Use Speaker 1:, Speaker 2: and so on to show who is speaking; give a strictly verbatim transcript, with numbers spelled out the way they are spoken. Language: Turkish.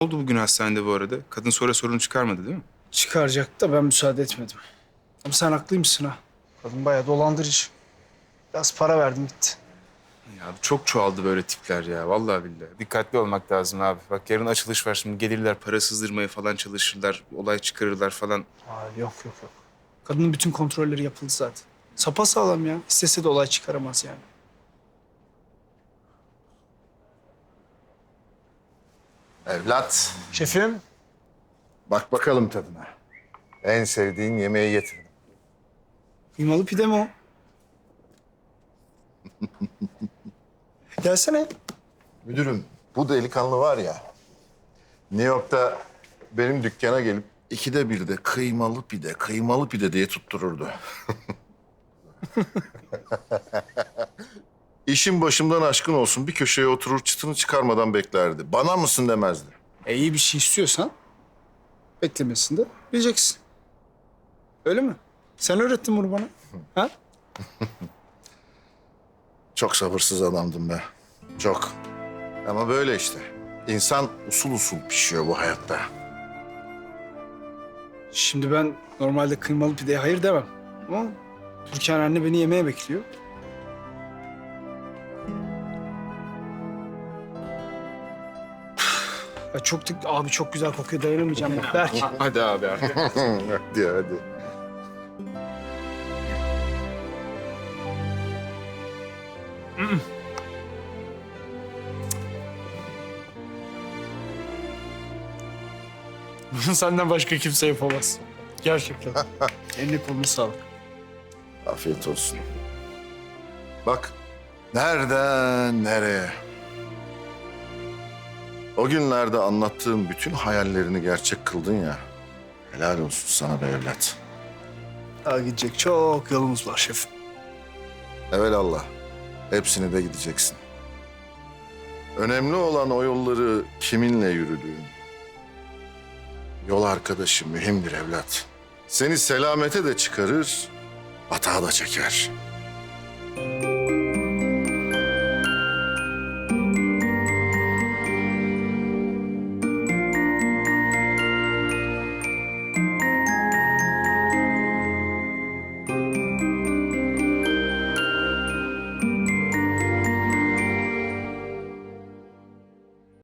Speaker 1: Oldu bugün hastanede bu arada? Kadın sonra sorun çıkarmadı değil mi?
Speaker 2: Çıkaracaktı da ben müsaade etmedim. Ama sen haklıymışsın ha. Kadın bayağı dolandırıcı. Biraz para verdim gitti.
Speaker 1: Ya çok çoğaldı böyle tipler ya. Vallahi billahi. Dikkatli olmak lazım abi. Bak yarın açılış var şimdi. Gelirler para sızdırmaya falan çalışırlar. Olay çıkarırlar falan.
Speaker 2: Aa, yok yok yok. Kadının bütün kontrolleri yapıldı zaten. Sapasağlam ya. İstese de olay çıkaramaz yani.
Speaker 3: Evlat,
Speaker 2: Şefim.
Speaker 3: bak bakalım tadına. En sevdiğin yemeği getirdim.
Speaker 2: Kıymalı pide mi o? Gelsene.
Speaker 3: Müdürüm, bu delikanlı var ya, New York'ta benim dükkana gelip ikide bir de kıymalı pide, kıymalı pide diye tuttururdu. İşin başımdan aşkın olsun bir köşeye oturur çıtını çıkarmadan beklerdi. Bana mısın demezdi.
Speaker 2: E, iyi bir şey istiyorsan beklemesini de bileceksin. Öyle mi? Sen öğrettin bunu bana. Ha?
Speaker 3: Çok sabırsız adamdım be. Çok. Ama böyle işte. İnsan usul usul pişiyor bu hayatta.
Speaker 2: Şimdi ben normalde kıymalı pideye hayır demem. Ama Türkan anne beni yemeğe bekliyor. Ya çok da- abi çok güzel kokuyor, dayanamayacağım bak Berk.
Speaker 1: Hadi abi artık.
Speaker 3: Hadi hadi.
Speaker 2: Bunu senden başka kimse yapamaz. Gerçekten. Eline koluna sağlık.
Speaker 3: Afiyet olsun. Bak, nereden nereye? O günlerde anlattığım bütün hayallerini gerçek kıldın ya. Helal olsun sana be evlat.
Speaker 2: Daha gidecek çok yolumuz var şefim.
Speaker 3: Evelallah. Hepsini de gideceksin. Önemli olan o yolları kiminle yürüdüğün. Yol arkadaşı mühimdir evlat. Seni selamete de çıkarır, batağa da çeker.